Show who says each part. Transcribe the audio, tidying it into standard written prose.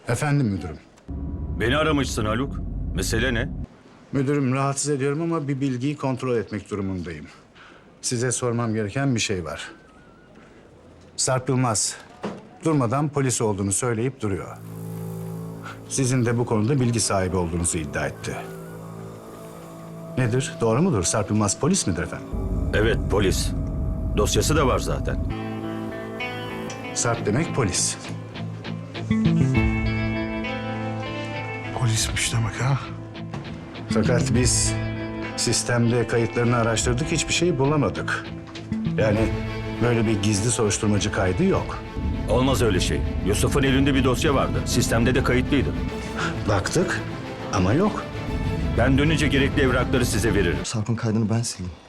Speaker 1: Efendim müdürüm.
Speaker 2: Beni aramışsın Haluk. Mesele ne?
Speaker 1: Müdürüm rahatsız ediyorum ama bir bilgiyi kontrol etmek durumundayım. Size sormam gereken bir şey var. Sarp Yılmaz durmadan polis olduğunu söyleyip duruyor. Sizin de bu konuda bilgi sahibi olduğunuzu iddia etti. Nedir? Doğru mudur? Sarp Yılmaz polis midir efendim?
Speaker 2: Evet, polis. Dosyası da var zaten.
Speaker 1: Sarp demek polis.
Speaker 3: Polismiş demek ha?
Speaker 1: Fakat biz sistemde kayıtlarını araştırdık, hiçbir şey bulamadık. Yani böyle bir gizli soruşturmacı kaydı yok.
Speaker 2: Olmaz öyle şey. Yusuf'un elinde bir dosya vardı. Sistemde de kayıtlıydı.
Speaker 1: Baktık ama yok.
Speaker 2: Ben dönünce gerekli evrakları size veririm.
Speaker 4: Sarp'ın kaydını ben sildim.